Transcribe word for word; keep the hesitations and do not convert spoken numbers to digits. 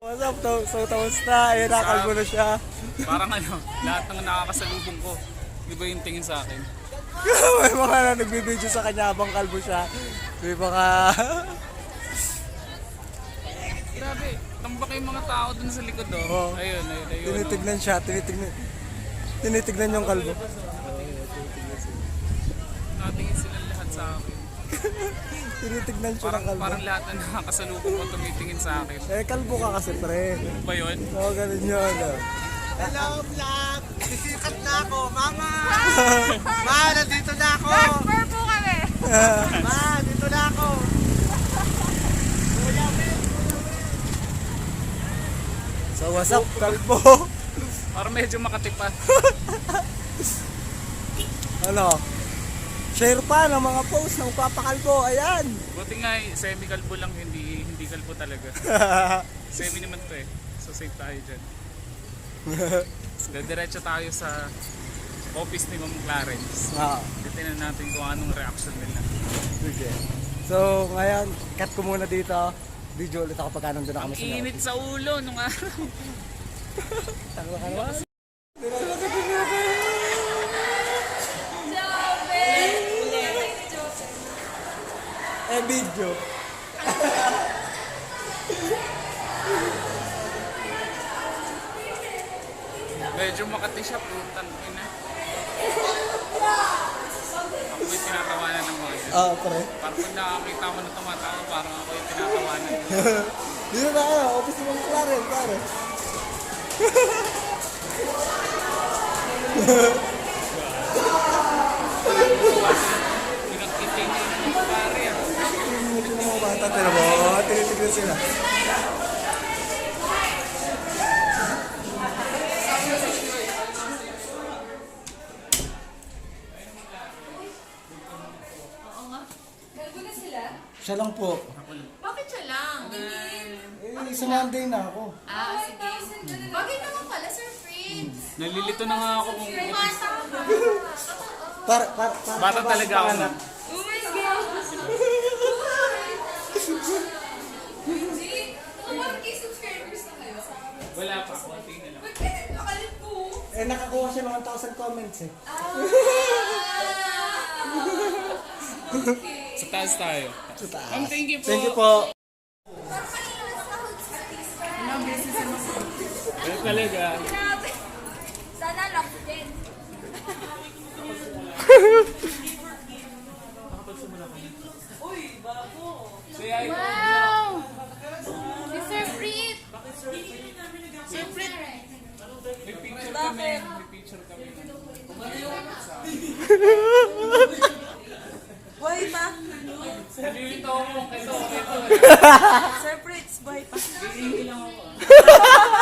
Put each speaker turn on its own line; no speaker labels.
What's up? So, so tapos na. Ayun, nakalbo na siya.
Parang ano, lahat ng nakakasalubong ko, di ba yung tingin sa akin?
May mga na nagbibideo sa kanya habang kalbo siya. May mga...
Grabe, tambak yung mga tao dun sa likod oh.
Oo.
Ayun, ayun, ayun.
Tinitignan siya, tinitignan. Tinitignan yung kalbo.
Nakatingin sila lahat sa akin.
Tinitignan siya
Parang,
ng kalbo.
parang lahat na nakakasalubong ko tumitingin sa akin.
Eh, kalbo ka kasi, pre.
Ano ba yun?
Oo, ganun yun. oh.
Hello, vlog! Sisikat na ako, mama! Ma, nandito na ako!
Transfer po kami.
Ma, dito na ako!
So, what's up, kalbo?
Parang medyo makatipan.
Ano? Share pa ng mga post ng papakalbo. Ayan.
Buti nga eh, semi-kalbo lang, hindi hindi kalbo talaga. Semi naman to eh. So safe tayo dyan. So, diretso tayo sa office ni Ma'am Clarence.
Ah,
Titignan natin kung anong reaction nila.
sige. So, ngayon, cut ko muna dito. Video ulit ako pagka nandun na
Ang
kami sa loob.
init sa ulo nung araw.
Tama ka naman. Eh, video.
Medyo makati siya, putang ina. Ako yung tinatawanan ng mga dyan.
Ah, pre.
Parang pag nakakita mo na tumatawa, parang ako yung tinatawanan.
Dito na kayo, office ng Clarence, pare.
Pinagkiting niya ng mga pare ah.
Ito ng mga bata, tira mo. Oo, tinitignan sila.
Galbo na sila?
Siya lang po.
Bakit siya lang?
Eh, sa Monday na ako.
Ah, sige. Bakit naman pala, Sir Fritz?
Nalilito na nga ako kung
Bata ka.
Para, para, para.
bata talaga ako na.
Oh my God! Hindi. Parang kay subscribers na kayo.
Wala pa, konti na lang.
Ba't kaya nakalit po?
Eh, nakakuha siya ng one thousand comments eh.
Ah! Okay.
Sa taas tayo.
Sa taas.
Ma'am, thank you po.
Thank you po.
Ano talaga?
Grabe. Sana lock din. Wow! Si Sir Fritz! Sir Fritz!
May picture kami. May picture kami.
Buhay pa.
Nalilito ako. Ito, ito.
Sir Fritz, buhay pa.